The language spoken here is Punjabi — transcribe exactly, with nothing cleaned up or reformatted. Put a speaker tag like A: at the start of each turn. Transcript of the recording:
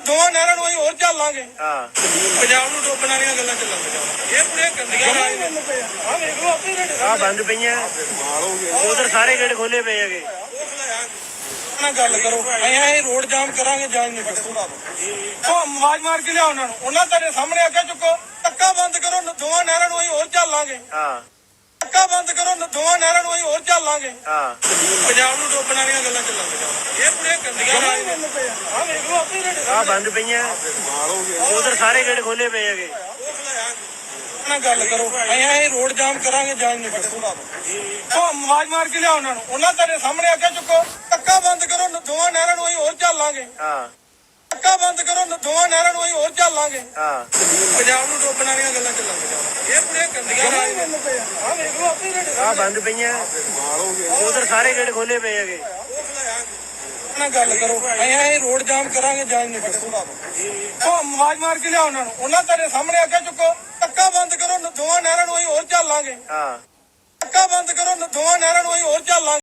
A: ਦੋਵਾਂ ਨਹਿਰਾਂ ਨੂੰ ਅਸੀਂ ਹੋਰ ਚੱਲਾਂਗੇ।
B: ਹਾਂ
A: ਪੰਜਾਬ ਨੂੰ ਡੋਬਣ ਵਾਲੀਆਂ ਗੱਲਾਂ ਚੱਲਣ ਇਹ ਬੜੀਆਂ ਗੰਦੀਆਂ ਰਾਜ ਨੇ। ਆਹ ਵੇਖ ਲਓ ਆਪੇ ਰੇਟ
B: ਆ ਬੰਦ ਪਈਆਂ ਉਧਰ ਸਾਰੇ ਗੇਟ ਖੋਲੇ ਪਏ ਹੈਗੇ।
A: ਨਾਲ ਗੱਲ ਕਰੋ ਅਸੀਂ ਅਸੀਂ ਰੋਡ ਜਾਮ ਕਰਾਂਗੇ ਜਾਂ ਨਹੀਂ ਕੱਢੋ। ਉਹ ਆਵਾਜ਼ ਮਾਰ ਕੇ ਲਿਆਓ ਉਹਨਾਂ ਨੂੰ, ਉਹਨਾਂ ਤੁਹਾਡੇ ਸਾਹਮਣੇ ਅੱਗੇ ਚੁੱਕੋ, ਧੱਕਾ ਬੰਦ ਕਰੋ, ਦੋਵਾਂ ਨਹਿਰਾਂ ਨੂੰ ਅਸੀਂ ਹੋਰ ਚੱਲਾਂਗੇ।
B: ਹਾਂ
A: ਧੱਕਾ ਬੰਦ ਕਰੋ, ਦੋਵਾਂ ਨਹਿਰਾਂ ਨੂੰ ਅਸੀਂ ਹੋਰ ਚੱਲਾਂਗੇ।
B: ਹਾਂ
A: ਪੰਜਾਬ ਨੂੰ ਡੋਬਣ ਵਾਲੀਆਂ ਗੱਲਾਂ ਚੱਲਣ ਇਹ ਬੜੀਆਂ ਗੰਦੀਆਂ ਰਾਜ ਨੇ। ਆਹ ਵੇਖ ਲਓ ਆਪੇ ਰੇਟ
B: ਆ ਬੰਦ ਪਈਆਂ ਉਧਰ ਸਾਰੇ ਗੇਟ ਖੋਲੇ ਪਏ ਹੈਗੇ।
A: ਨਾਲ ਗੱਲ ਕਰੋ ਅਸੀਂ ਅਸੀਂ ਰੋਡ ਜਾਮ ਕਰਾਂਗੇ ਜਾਂ ਨਹੀਂ ਕੱਢੋ। ਉਹ ਆਵਾਜ਼ ਮਾਰ ਕੇ ਲਿਆਓ ਉਹਨਾਂ ਨੂੰ, ਉਹਨਾਂ ਤੁਹਾਡੇ ਸਾਹਮਣੇ ਅੱਗੇ ਚੁੱਕੋ, ਧੱਕਾ ਬੰਦ ਕਰੋ, ਦੋਵਾਂ ਨਹਿਰਾਂ ਨੂੰ ਅਸੀਂ ਹੋਰ ਚੱਲਾਂਗੇ।
B: ਹਾਂ
A: ਧੱਕਾ ਬੰਦ ਕਰੋ, ਦੋਵਾਂ ਨਹਿਰਾਂ ਨੂੰ ਅਸੀਂ ਹੋਰ ਚੱਲਾਂਗੇ।
B: ਹਾਂ
A: ਪੰਜਾਬ ਨੂੰ ਡੋਬਣ ਵਾਲੀਆਂ ਗੱਲਾਂ ਚੱਲਣ ਇਹ ਬੜੀਆਂ ਗੰਦੀਆਂ ਰਾਜ ਨੇ। ਆਹ ਵੇਖ ਲਓ ਆਪੇ ਰੇਟ
B: ਆ ਬੰਦ ਪਈਆਂ ਉਧਰ ਸਾਰੇ ਗੇਟ ਖੋਲੇ ਪਏ ਹੈਗੇ।
A: ਨਾਲ ਗੱਲ ਕਰੋ ਅਸੀਂ ਅਸੀਂ ਰੋਡ ਜਾਮ ਕਰਾਂਗੇ ਜਾਂ ਨਹੀਂ ਕੱਢੋ। ਉਹ ਆਵਾਜ਼ ਮਾਰ ਕੇ ਲਿਆਓ ਉਹਨਾਂ ਨੂੰ, ਉਹਨਾਂ ਤੁਹਾਡੇ ਸਾਹਮਣੇ ਅੱਗੇ ਚੁੱਕੋ, ਧੱਕਾ ਬੰਦ ਕਰੋ, ਦੋਵਾਂ ਨਹਿਰਾਂ ਨੂੰ ਅਸੀਂ ਹੋਰ ਚੱਲਾਂਗੇ।
B: ਹਾਂ
A: ਧੱਕਾ ਬੰਦ ਕਰੋ, ਦੋਵਾਂ ਨਹਿਰਾਂ ਨੂੰ ਅਸੀਂ ਹੋਰ ਚੱਲਾਂਗੇ।